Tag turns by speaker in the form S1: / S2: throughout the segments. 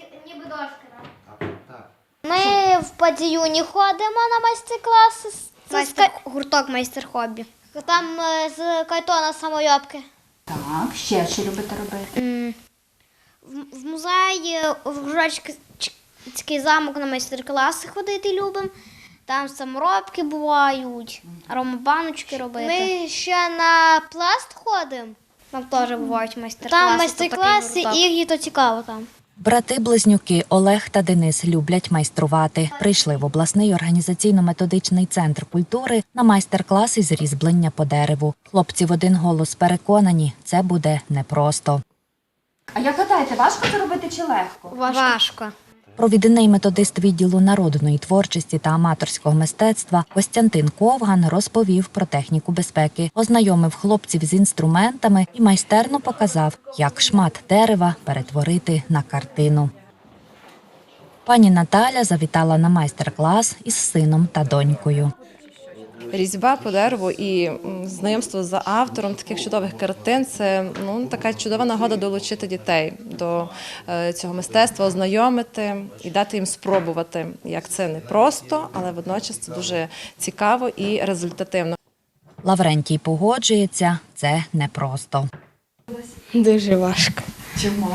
S1: ніби дошки,
S2: Так.
S1: Ми в Падіюні ходимо на майстер-класи.
S3: Гурток майстер-хобі.
S1: Там з картона самойобки.
S4: Так, ще що любите робити?
S3: В музеї, в Грушацький замок на майстер-класи ходити любимо. Там саморобки бувають, аромабаночки робити.
S1: Ми ще на пласт ходимо.
S3: Там теж бувають майстер-класи.
S1: Там майстер-класи, і то цікаво там.
S4: Брати-близнюки Олег та Денис люблять майструвати. Прийшли в обласний організаційно-методичний центр культури на майстер-клас із різьблення по дереву. Хлопці в один голос переконані, це буде непросто.
S5: А як гадаєте, важко це робити чи легко?
S3: Важко.
S4: Провідний методист відділу народної творчості та аматорського мистецтва Костянтин Ковган розповів про техніку безпеки, ознайомив хлопців з інструментами і майстерно показав, як шмат дерева перетворити на картину. Пані Наталя завітала на майстер-клас із сином та донькою.
S6: Різьба по дереву і знайомство з автором таких чудових картин – це така чудова нагода долучити дітей до цього мистецтва, ознайомити і дати їм спробувати, як це не просто, але водночас це дуже цікаво і результативно.
S4: Лаврентій погоджується, це непросто.
S7: Дуже важко.
S5: Чому?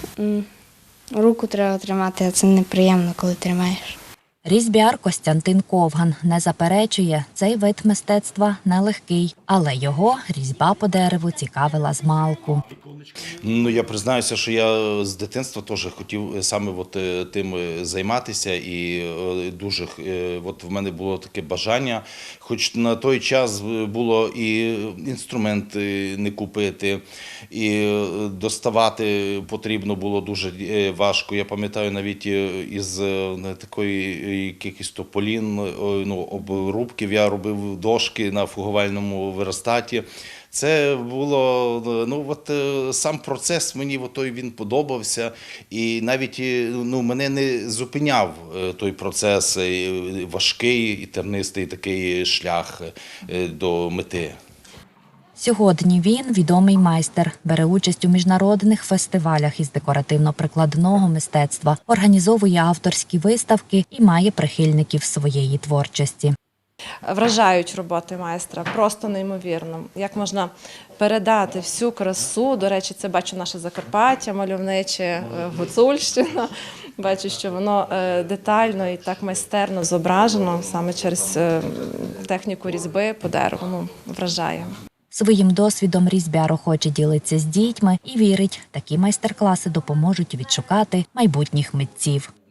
S7: Руку треба тримати, а це неприємно, коли тримаєш.
S4: Різьбяр Костянтин Ковган не заперечує, цей вид мистецтва нелегкий, але його різьба по дереву цікавила змалку.
S2: Я признаюся, що я з дитинства теж хотів саме тим займатися, і дуже в мене було таке бажання, хоч на той час було і інструменти не купити, і доставати потрібно було дуже важко. Я пам'ятаю навіть із такої якихось тополін, обрубків, я робив дошки на фугувальному верстаті. Це було, сам процес мені він подобався, і навіть мене не зупиняв той процес, важкий і тернистий такий шлях до мети.
S4: Сьогодні він відомий майстер, бере участь у міжнародних фестивалях із декоративно-прикладного мистецтва, організовує авторські виставки і має прихильників своєї творчості.
S6: Вражають роботи майстра, просто неймовірно. Як можна передати всю красу, до речі, це бачу наше Закарпаття, мальовниче, Гуцульщина. Бачу, що воно детально і так майстерно зображено саме через техніку різьби по дереву. Вражає.
S4: Своїм досвідом різьбяр охоче ділиться з дітьми і вірить, такі майстер-класи допоможуть відшукати майбутніх митців.